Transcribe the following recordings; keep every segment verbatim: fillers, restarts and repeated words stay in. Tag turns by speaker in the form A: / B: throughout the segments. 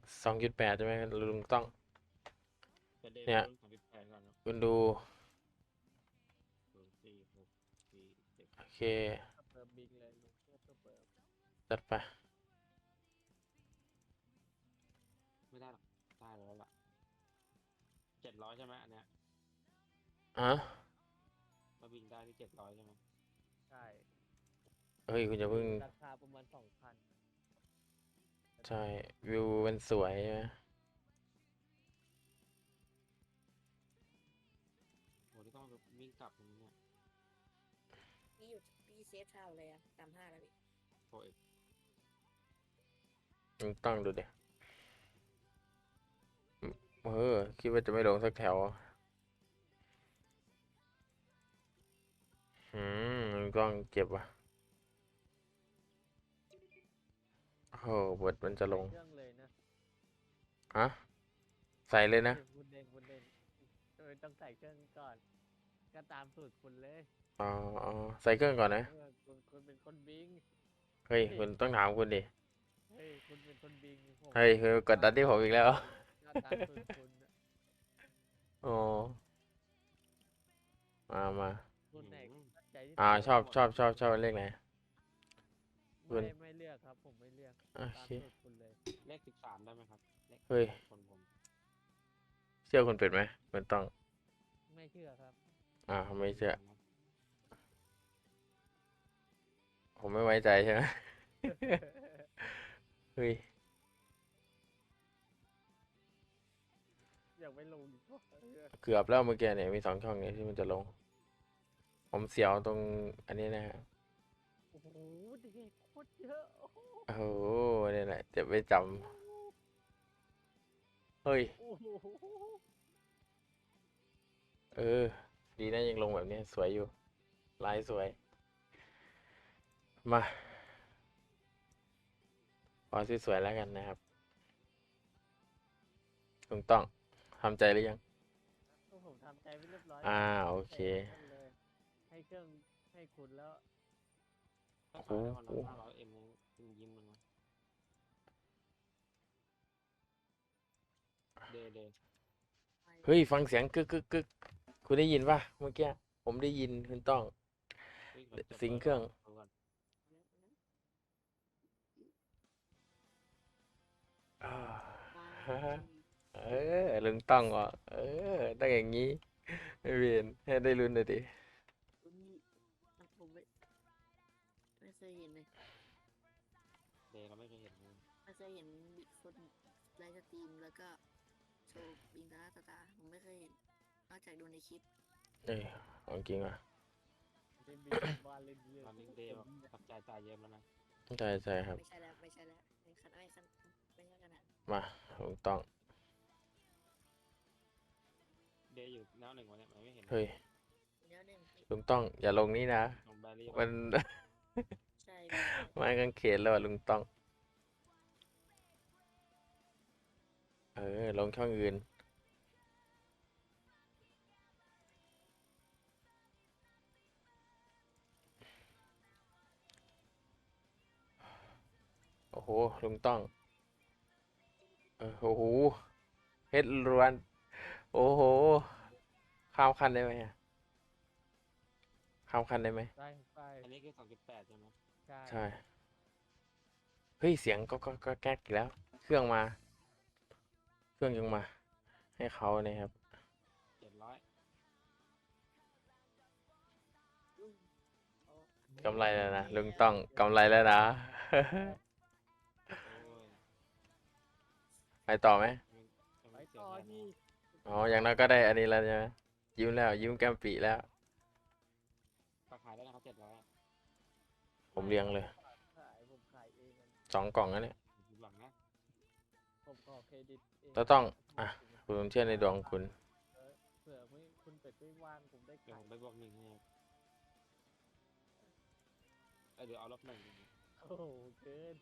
A: สองจุดแปดใช่ไหมลุงต้อง
B: จะเดน
A: เนี่ย
B: รุ่นสองจุดแปดก่อนครับ
A: คุณดู
B: ศูนย์สี่หกสี่เจ็ด
A: โอเค
C: เปิดบิงเลยลุงเพื่อเปิดเปิด
A: จัดไป
B: ไม่ได้หรอกได้แล้วล่ะเจ็ดร้อยใช่ไหมอันเนี้ย
A: อ่ะ
B: มาบินได้ที่เจ็ดร้อยใช่ไหม
C: ใช่
A: เฮ้ยคุณจะเพิ่ง
C: ราคาประมาณสองพัน
A: ใช่วิวเป็นสวยใช่ไหม
B: โหที่ต้องวิ่งกลับตรงนี้เนี่ย
D: พี่อยู่พี่เซฟเท่าเลยอะสามห้าแล้วพี่
B: โฟเอ็ก
A: ลุงต้องดูดิเออคิดว่าจะไม่ลงสักแถวอืมลุงต้องเก็บว่ะโอ้โหบทมันจะลง
C: เครื่องเลยนะ
A: ฮะใส่เลยนะ
C: คุณเล่นคุณเล่นเออต้องใส่เครื่องก่อน ก็ตามสูตรคุณเลย
A: อ๋ออ๋อใส่เครื่องก่อนนะ
C: เออคุณคุณเป็นคนบิง
A: เฮ้ยคุณต้องถามคุณดิ
C: เฮ้ยคุณเป็นคนบิงผม
A: เฮ้ยคือกดดันที่ผมอีกแล้ว
C: ก็ตามสูตรคุณน่ะ
A: อ๋อมามา
C: คุณไหนมั่นใจที่สุด
A: อ่าชอบชอบชอบชอบเลขไหน คุ
C: ไม่
A: ณ
C: ไม่เลือกครับ ผมไม่เลือก
A: โอ
C: ตาม
A: เค
C: สูตรคุณเลย
B: เลขสิบสามได้ไหมครับเลข
A: เฮ้ย
B: คนผม
A: เชื่อคุณเป็ดไหมมันต้อง
C: ไม่เชื่อครับ
A: อ่าไม่เชื่อ ผมไม่ไว้ใจใช่ไหม เฮ้ย
C: อยากไปลงดีกว่าเออ
A: เกือบแล้วเมื่อกี้เนี่ยมีสองช่องเนี่ยที่มันจะลง ผมเสียวตรงอันนี้นะฮะ
C: โอ้โหเด็กโคตรเยอะโอ้โห
A: โอ้โหเนี่ยแหละเจ็บไม่จำเฮ้ย
C: โอ้โห
A: เออ ดีนะยังลงแบบนี้สวยอยู่ ลายสวย มาขอสวยๆแล้วกันนะครับลุงต้องทำใจหรือยัง
C: ก็ผมทำใจไว้เรียบร้อย
A: อ่า
C: แล้ว
A: โอเค
C: ใส่นั่นเลยให้เครื่องให้คุณแล้ว
B: ถ้าขายได้วันละห้าร้อยเอ็มยังยิ้มมันวะเดเด
A: เฮ้ย ฟังเสียงกึกกึกกึกคุณได้ยินป่ะเมื่อกี้ ผมได้ยินคุณต้อง
B: เฮ้ยมันจะ
A: สิงเครื่อง
B: ปิดก่อน
A: อ่า
D: ว้า
A: ฮะ
D: ว
A: เออลุงต้องอ่ะเออต้องอย่างนี้ไม่เวียนให้ได้ลุ้นเลยดิ
D: คุณผมไม่ไม่เคยเห็นเลย
B: เดเราไม่เคยเห็นเลย
D: ไม่เคยเห็นบิดคนไลฟ์สตรีมแล้วก็โชว์บิงตาตาตาผมไม่เคยเห็นนอกจากดูในคลิป
A: เอ้ยของจริงอ่ะ
C: เล่นบินบ้านเล่นเรื่อง
B: ตอนนี้เดแบบตับใจจ่ายเยอะแล้วนะ
A: ใช่ใช่ครับ
D: ไม่ใช่แล้วไม่ใช่แล้วไม่ขนาดไม่ขนาดไม่ใช่ขนาด
A: มาลุงต้อง
B: เดอยู่แนวหนึ่งวันเนี้ยมันไม่เห็น
A: เฮ้ย
D: เดี๋ยวหนึ่งพี่
A: ลุงต้องอย่าลงนี้นะ
B: ลงแบรี่
A: มัน
D: ใช่พี่
A: ไม้กางเขนแล้วอะลุงต้อง เออ ลงช่องอื่น โอ้โห ลุงต้อง เออโอ้โหเฮ็ดรวน โอ้โห ข้ามคันได้ไหมอะข้ามคันได้ไหม
C: ได้ไป
B: อันนี้คือสองจุดแปดใช่ไหม
C: ใช่
A: ใช่ เฮ้ย เสียงก็ก็ก็แก๊กอีกแล้ว เครื่องมา เครื่องยังมา ให้เขาเนี่ยครับ
B: เจ็ดร้อย
D: อืมโอ้
A: กำไรแล้วนะ ลุงต้องกำไรแล้วนะ
B: โอ้ย
A: ไปต่อไหม
B: ยังยัง
C: ไป
B: ไม่เสีย
C: ต่อ
B: แรง
C: ที่
B: นะ
A: อ๋อ อย่างน้อยก็ได้อันนี้แล้วใช่ไหมยิ้มแล้ว ยิ้มแก้มปีแล้ว
B: ราคายได้นะครับเจ็ดร้อย
A: ผมเลี้ยงเลย
C: ขายผมขายเองอะ
A: สองกล่องนะเนี่ย
B: หลังนะ
C: ผมขอเครดิตเอง
A: แล้วต้อง อ่ะ ผมเชื่อในดวงคุณ
C: เออเผื่อไม่คุณเป็ดไม่ว่างผมได้
B: เดี๋ยว
C: ขา
B: ผ
C: ย
B: มไปบวกหนึ่งให้ครับเอ้ยเดี๋ยวเอาลบหนึ่ง
C: โอ้โหเกิน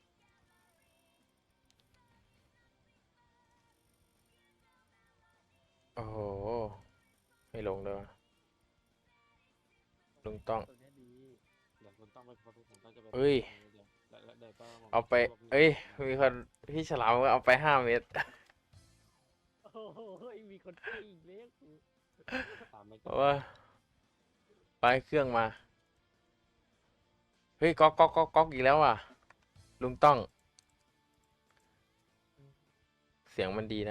A: โอ้โห ไม่ลงเลยวะ ลุงต้อง
C: ตัวเนี้ยดี
B: เดี๋ยวคุณต้องไปพบผมก็จะไป
A: เอ้ย
B: เดี๋ยวแล้วแล้วเดี๋ยวก็ผม
A: เอาไป
B: พวกนี้
A: เอ้ย มีคนพี่ฉลามเอาไปห้าเม็ด
C: โอ้โหมีคนตีอีกแล้วกู
B: ตามไม่
A: เพ
B: ก็
A: ราะว่าไปเครื่องมา เฮ้ยก๊อกก๊อกก๊อกก๊อกอีกแล้วอ่ะ ลุงต้อง เสียงมันดีนะ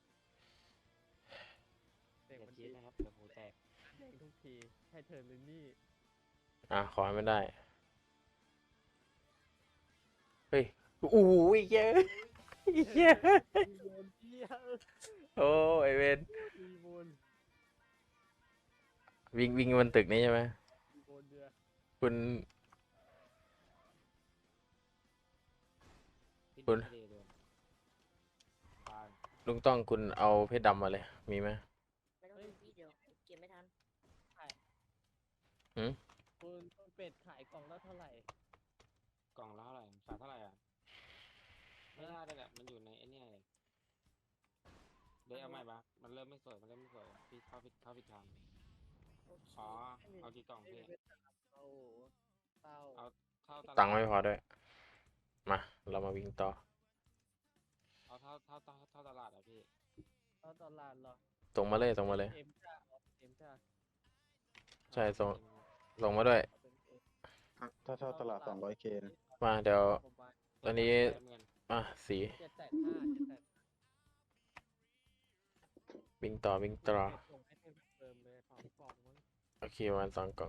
C: เด็ก
B: อย่า
C: มัน
B: คิ
C: ดี
B: ดนะครับเดี๋ยวหูแตก
C: แดงทุกทีให้เธอเลยนี่
A: อ่ะ ขอให้มันได้ เฮ้ยโอ้โหเยอะเยอะ
C: มีโบนเที่ยว
A: โอ้ไอเวน
C: มีโบน
A: วิ่งวิ่งบนตึกนี้ใช่ไหม
C: มีโบนเดือ
A: คุณ
B: พี่
A: คุณ
B: ดีเลยตาย
A: ลุงต้องคุณเอาเพชรดำมาเลย มีไหม
D: ไม่ต้องดูพี่เดี๋ยวเก็บไม่ทัน
C: คุณคุณเป็ดขายกล่องละเท่าไหร่
B: กล่องละเท่าไหร่ขายเท่าไหร่อ่ะไม่ได้เลยแหละมันอยู่ในไอ้เนี่ยเลยเดี๋ยวเอาใหม่ปะมันเริ่มไม่สวยมันเริ่มไม่สวยพี่เข้าผิดเข้าผิดทาง
D: โอเค
B: อ๋อเอากี่กล่องพี่
C: โอ้โหเศร้า
B: เอาเท่าตลาด
A: ตังค์ไม่พอด้วย มา เรามาวิ่งต่อ
B: เอาเท่าเท่าเท่าเท่าตลาดอ่ะพี่
C: เท่าตลาดเหรอ
A: ส่งมาเลยส่งมาเลย
C: เอ็มจ้าเอ็มจ้า
A: ใช่ส่ง ส่งมาด้วย
C: เอาเป็นเอ็ม
E: ถ้าเท่าตลาด สองร้อยเค นะ
A: มาเดี๋ยว
C: ประมาณ
A: ตอนนี้
B: เงิน
A: อ่ะสี
C: เจ็ดแสนห้าเจ็ดแสน
A: วิ่งต่อวิ่งต่อ
C: ส่งให้เพิ่มเติมเลยสองกล่องมั้ง
A: โอเคประมาณสองกล่อง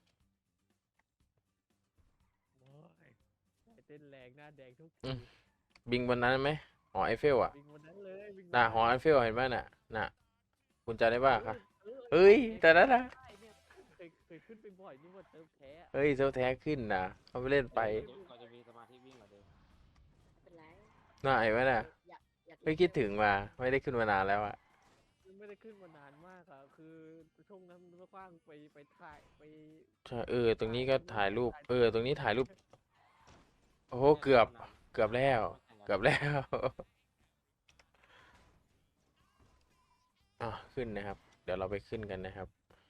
C: โอ้ยใจเต้นแรงหน้าแดงทุก
A: อื
C: ที
A: ม บิงบนนั้นไหมหอไอเฟลอ่ะ
C: วิ่งวันนั้นเลยวิ่ง
A: น่ะหอไอเฟลเห็นไหมน่ะ น่ะ คุณจำได้ป่ะคะเฮ้ย แต่นั้นนะ
C: ใช่เนี่ยเคยเคยขึ้นไปบ่อยนี่ว่าเติมแพ้อะ
A: เฮ้ยเซลแท้ขึ้นนะเขาไปเล่นไป
B: เราจะมีสมาธิวิ่งเหรอเดิม
D: ไม่เป็นไร
A: น่าไอ้ไหมน่ะ
D: อยากอยาก
A: ไม่คิดถึงมา ไม่ได้ขึ้นมานานแล้วอ่ะ
C: ไม่ได้ขึ้นมานานมากอะคือช่วงนั้นมันกว้างไปไปถ่ายไป
A: ใช่เออ ตรงนี้ก็ถ่ายรูป เออ ตรงนี้ถ่ายรูป โอ้โห เกือบ เกือบแล้ว เกือบแล้ว อ่ะขึ้นนะครับ เดี๋ยวเราไปขึ้นกันนะครับ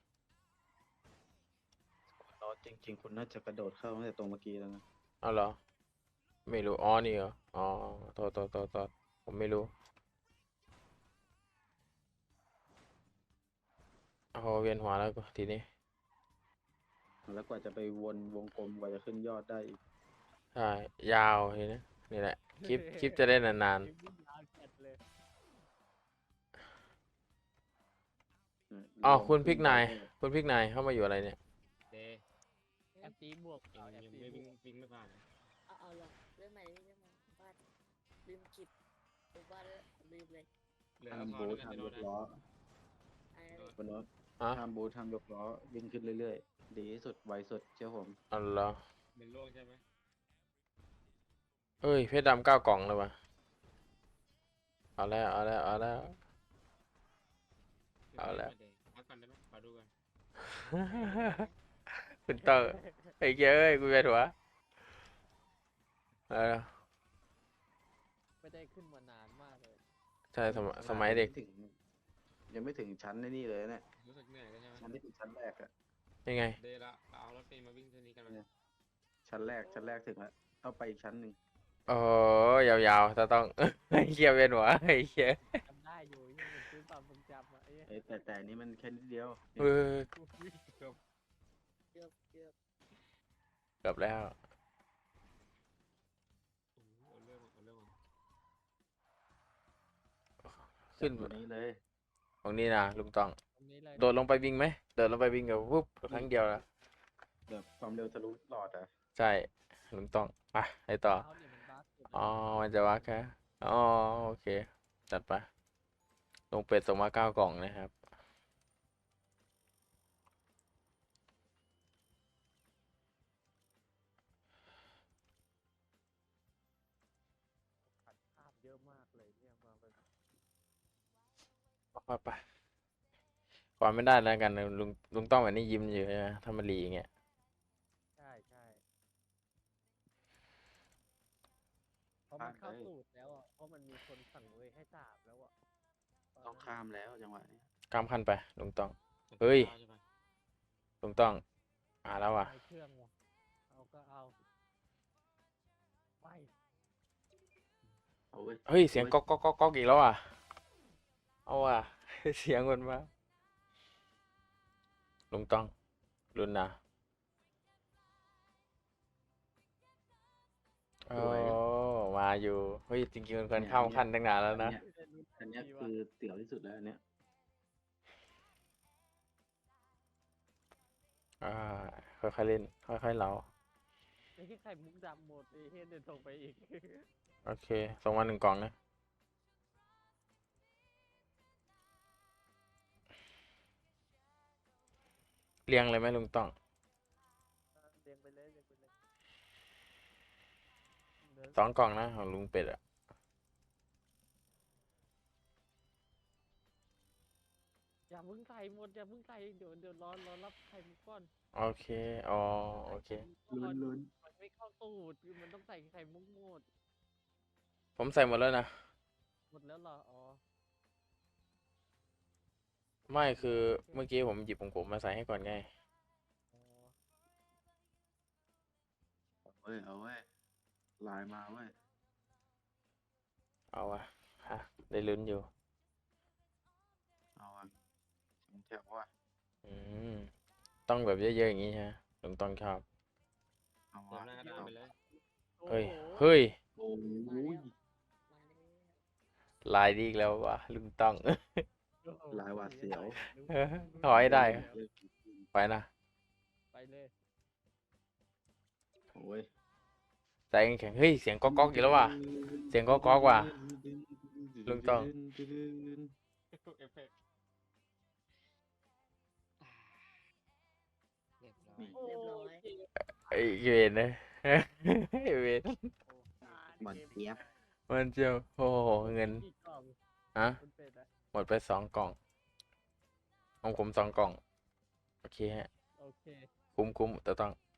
E: ล้อจริง ๆ คุณน่าจะกระโดดเข้าตั้งแต่ตรงเมื่อกี้แล้วนะ
A: เอาเหรอ ไม่รู้ อ๋อ นี่เหรอ อ๋อโทษโทษโทษโทษผมไม่รู้โอ้โหเวียนหัวแล้วกูทีนี้
E: แล้วกว่าจะไปวนวงกลมกว่าจะขึ้นยอดได้อีก
A: ใช่ ยาวทีนี้นี่แหละ คลิป คลิปจะได้นาน
C: คลิปวิ่งยาวจัดเลย
A: ๆอ๋อคุณพริกนาย คุณพริกนายเข้ามาอยู่อะไรเนี่ย
B: เดย์
C: แอปตีบวก
B: ยั
C: เอา
B: ง
C: แอป
B: ยัง
C: ตี
B: ไม่
C: บ
B: วิ่ง
C: วก
B: วิ่งไม่ผ่าน
D: เอาเอาเหรอเรื่องใหม่เรื่องใหม่บ้านลืมกิบผมว่าแล้วลืมเลย
B: เหลือ
E: ห้าม
B: ทอ
E: บู
B: น
E: ท
B: ด้วย
E: ห้าม
B: กัน
E: ย
B: จะโดนนะ
E: กล้อ
D: อะไรนะ
E: บนรถ
A: อ่ะ
E: ห้ามบูทห้ามยกล้อวิ่งขึ้นเรื่อยๆ ดีที่สุดไวสุดเชื่อผม
A: เอาเหรอ
B: เป็นโรคใช่ไหม
A: เอ้ย เพชรดำเก้ากล่องแล้ววะเอาแล้ว เอาแล้ว เอาแล้ว เอาแล้ว
B: พักก่อนได้ไหมขอดูกัน
A: คุณเตอร์ไอ้เจ้ยเอ้ยกูเวียนหัวเออ
C: ไม่ได้ขึ้นมานานมากเลย
A: ใช่สมัยสมัยเด็ก
E: งไถึง ยังไม่ถึงชั้นในนี่เลยเนี่ย
B: รู้สึกเหนื่อยแล้วใช่ไหม
E: ชั้นที่เป็นชั้นแรกอะ
A: ยังไง
B: เดย์ละเราเอารถเมล์มาวิ่งเท่านี้กันไหม
E: ชั้นแรกชั้นแรกถึงแล้วต้องไปอีกชั้นหนึ่ง
A: โอ้ยาวๆจะต้อง ไอ้เหี้ยเวียนหัวไอ้เหี้ย
C: จำได้อยู่ยังเป็นซื้อความทรงจำอะไอ้เหี้ย
E: เอ้ยแต่แต่อันนี้มันแค่นิดเดียว
A: เออ
C: กูวิ่งเกือบ
D: เกือบเกือบ
A: เกือบแล้ว
B: โอ้โหเอาเรื่องเอาเรื่อง
A: ขึ้น
E: ตัวนี้เลย
A: ตรงนี้นะลุงต้อง
C: ตรงนี้เลย
A: โดดลงไปวิ่งไหมโดดลงไปวิ่งกับปุ๊บครั้งเดียวละ
E: แบบความเร็วทะลุหลอดอะ
A: ใช่ลุงต้องไปไปต่อ
C: เท้าเนี่ยมันบัสสุด
A: อ๋อ มันจะวักแค่อ๋อ โอเค จัดไป ลงเป็ดส่งมาเก้ากล่องนะครับ
C: ขัดภาพเยอะมากเลยเนี่ยมาเป็น
A: ไปไปก่อนไม่ได้แล้วกันนะลุงลุงต้องแบบนี้ยิ้มอยู่ใช่ไหมถ้ามันรีอย่างเงี้ย
C: ใช่ใช่เพราะมันเข้าสูตรแล้วอ่ะเพราะมันมีคนสั่งเลยให้สาบแล้วอ่ะ
E: ต้องข้ามแล้วจังหวะนี้
A: ข้ามขั้นไปลุงต้อง
B: มัน
A: เฮ้ย
B: ใช่ปะ
A: ลุงต้องอ่าแล้วว่ะ
C: ใช้เครื่องว่ะเอาก็เอา
E: เอาเว้ย
A: เฮ้ย เสียงก๊อกก๊อกก๊อกก๊อกอีกแล้วอ่ะ เอาอ่ะ เสียงมันมาลุงต้องรุนนะโอ้มาอยู่ เฮ้ย จริงๆมันควรเข้าขั้นตั้งนานแล้วนะ
E: อันเนี้ยคือเตี๋ยวที่สุดแล้วอันเนี้ย
A: อ่า ค่อยๆเล่น ค่อยๆเล่า
C: ไอ้ที่ไข่มุกดำหมดไอ้เฮียเดินส่งไปอีก
A: โอเค ส่งมาหนึ่งกล่องนะ เรียงเลยไหมลุงต้อง
C: เรียงไปเลยเรียงไปเลยเดิน
A: สองกล่องนะของลุงเป็ดอ่ะ
C: อย่าเพิ่งใส่หมดอย่าเพิ่งใส่เดี๋ยวเดี๋ยวรอรอรับไข่มุกก่อน
A: โอเค อ๋อ โอเค
E: ลุ้นลุ้น
C: มันไม่เข้าตูดคือมันต้องใส่ไข่มุกหมด
A: ผมใส่หมดแล้วนะ
C: หมดแล้วเหรออ๋อ
A: ไม่คือเมื่อกี้ผมหยิบของผมมาใส่ให้ก่อนไง
C: อ๋อ
E: เอาเว้ยเอาเว้ยไลน์มาเว้ย
A: เอาวะฮะได้ลุ้นอยู่
E: เอาอ่ะถึงแถวว่ะ
A: อืม ต้องแบบเยอะๆอย่างนี้ใช่ไหมลุงต้องชอบ
E: เอา
B: เติม
E: วะ
B: หน้ากระดานไปเลย
A: เฮ้ย
C: โอ้โห
A: เฮ้ย
E: โอ้ย
D: มาเลย
A: ลายดีอีกแล้ววะลุงต้อง
C: โอ้โห
E: ลายหวาดเสียว
A: ถอยได้ ไปนะ
C: ไปเลย
E: โอ้ย
A: ใจแข็งๆเฮ้ย เสียงก๊อกก๊อกอีกแล้วว่ะ เสียงก๊อกก๊อกว่ะ ลุงต้อง
B: เอฟเฟกต์เรียบร้อย
C: โอ้
D: เรียบร้อย
C: เกม
A: ไอ้เวรนะ ไอ้เวร
C: อ่า
E: หมันเทียบ
A: มันเจียวโอ้โหเงิน
C: กี่กล่อง
A: ฮะ
C: คุณเป็ดอะ
A: หมดไปสองกล่องของผมสองกล่อง โอเคฮะ
C: โอเค
A: คุ้มคุ้มแต่ต้อง